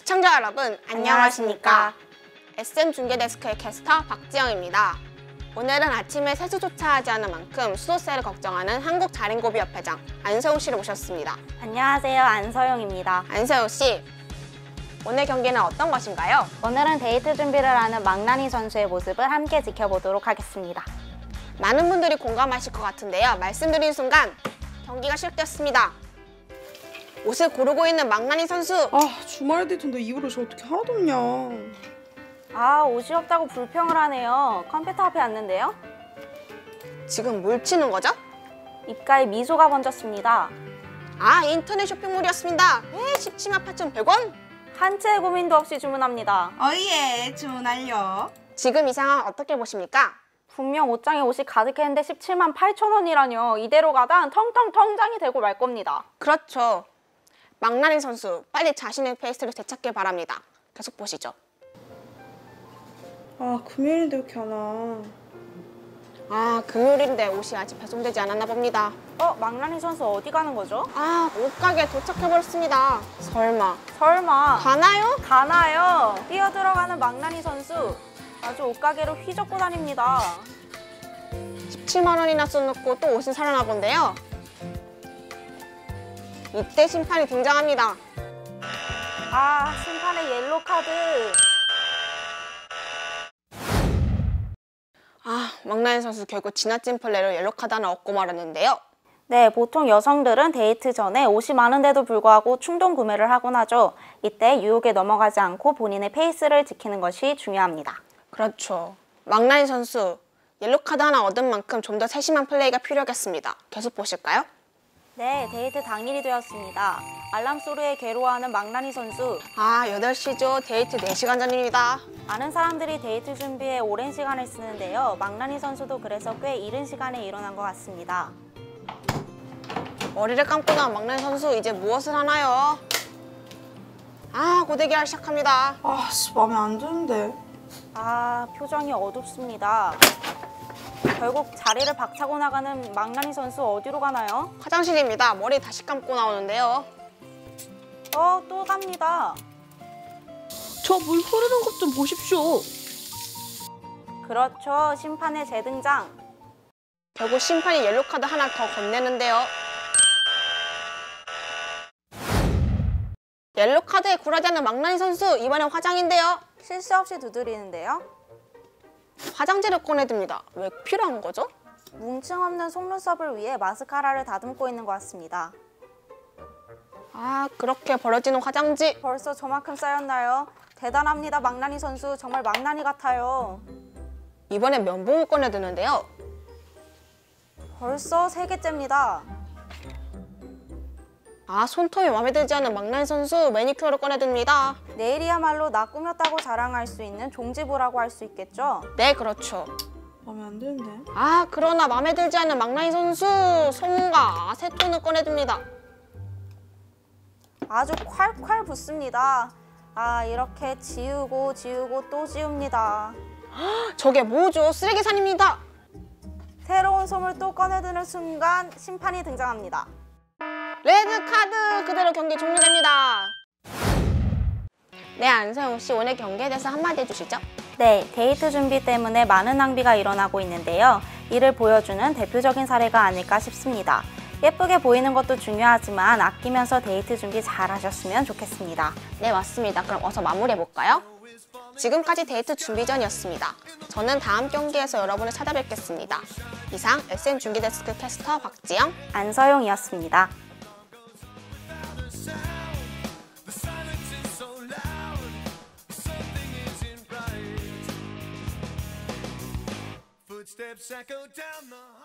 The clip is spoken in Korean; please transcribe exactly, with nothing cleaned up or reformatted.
시청자 여러분, 안녕하십니까? 에스엠 중계데스크의 캐스터 박지영입니다. 오늘은 아침에 세수조차 하지 않은 만큼 수도세를 걱정하는 한국자린고비협회장 안서영 씨를 모셨습니다. 안녕하세요, 안서영입니다. 안서영 씨, 오늘 경기는 어떤 것인가요? 오늘은 데이트 준비를 하는 망나니 선수의 모습을 함께 지켜보도록 하겠습니다. 많은 분들이 공감하실 것 같은데요. 말씀드린 순간 경기가 시작되었습니다. 옷을 고르고 있는 망나니 선수. 아, 주말에 데이트인데 입을 옷이 어떻게 하나도 없냐. 아, 옷이 없다고 불평을 하네요. 컴퓨터 앞에 앉는데요? 지금 뭘 치는 거죠? 입가에 미소가 번졌습니다. 아, 인터넷 쇼핑몰이었습니다. 에, 십칠만 팔천백 원? 한 채의 고민도 없이 주문합니다. 어예, 주문할려. 지금 이 상황 어떻게 보십니까? 분명 옷장에 옷이 가득했는데 십칠만 팔천 원이라뇨. 이대로 가다 텅텅 통장이 되고 말 겁니다. 그렇죠. 망나니 선수, 빨리 자신의 페이스를 되찾길 바랍니다. 계속 보시죠. 아, 금요일인데 왜 이렇게 안 와? 아, 금요일인데 옷이 아직 배송되지 않았나 봅니다. 어, 망나니 선수 어디 가는 거죠? 아, 옷가게에 도착해버렸습니다. 설마. 설마 가나요? 가나요? 뛰어들어가는 망나니 선수. 아주 옷가게로 휘젓고 다닙니다. 십칠만 원이나 써놓고 또 옷을 사려나 본데요. 이때 심판이 등장합니다. 아, 심판의 옐로 카드. 아, 망나니 선수 결국 지나친 플레이로 옐로카드 하나 얻고 말았는데요. 네, 보통 여성들은 데이트 전에 옷이 많은데도 불구하고 충동 구매를 하곤 하죠. 이때 유혹에 넘어가지 않고 본인의 페이스를 지키는 것이 중요합니다. 그렇죠. 망나니 선수, 옐로카드 하나 얻은 만큼 좀 더 세심한 플레이가 필요하겠습니다. 계속 보실까요? 네, 데이트 당일이 되었습니다. 알람 소리에 괴로워하는 망나니 선수. 아, 여덟 시죠. 데이트 네 시간 전입니다. 많은 사람들이 데이트 준비에 오랜 시간을 쓰는데요. 망나니 선수도 그래서 꽤 이른 시간에 일어난 것 같습니다. 머리를 감고 나온 망나니 선수, 이제 무엇을 하나요? 아, 고데기를 시작합니다. 아, 씨, 마음에 안 드는데. 아, 표정이 어둡습니다. 결국 자리를 박차고 나가는 망나니 선수 어디로 가나요? 화장실입니다. 머리 다시 감고 나오는데요. 어, 또 갑니다. 저 물 흐르는 것 좀 보십시오. 그렇죠, 심판의 재등장. 결국 심판이 옐로카드 하나 더 건네는데요. 옐로카드에 굴하지 않는 망나니 선수, 이번엔 화장인데요. 실수 없이 두드리는데요. 화장지를 꺼내듭니다. 왜 필요한 거죠? 뭉침 없는 속눈썹을 위해 마스카라를 다듬고 있는 것 같습니다. 아, 그렇게 버려지는 화장지. 벌써 저만큼 쌓였나요? 대단합니다, 망나니 선수. 정말 망나니 같아요. 이번엔 면봉을 꺼내드는데요. 벌써 세 개째입니다. 아, 손톱이 마음에 들지 않은 망나니 선수, 매니큐어를 꺼내듭니다. 내일이야말로 나 꾸몄다고 자랑할 수 있는 종지부라고 할 수 있겠죠? 네, 그렇죠. 마음에 안 드는데. 아, 그러나 마음에 들지 않는 망나니 선수, 솜과 아세톤을 꺼내듭니다. 아주 콸콸 붓습니다. 아, 이렇게 지우고 지우고 또 지웁니다. 저게 뭐죠? 쓰레기산입니다. 새로운 솜을 또 꺼내드는 순간 심판이 등장합니다. 레드카드! 그대로 경기 종료됩니다. 네, 안서영 씨, 오늘 경기에 대해서 한마디 해주시죠. 네, 데이트 준비 때문에 많은 낭비가 일어나고 있는데요. 이를 보여주는 대표적인 사례가 아닐까 싶습니다. 예쁘게 보이는 것도 중요하지만 아끼면서 데이트 준비 잘 하셨으면 좋겠습니다. 네, 맞습니다. 그럼 어서 마무리해볼까요? 지금까지 데이트 준비 전이었습니다. 저는 다음 경기에서 여러분을 찾아뵙겠습니다. 이상 에스엠 중계데스크 캐스터 박지영, 안서영이었습니다. Footsteps echo down the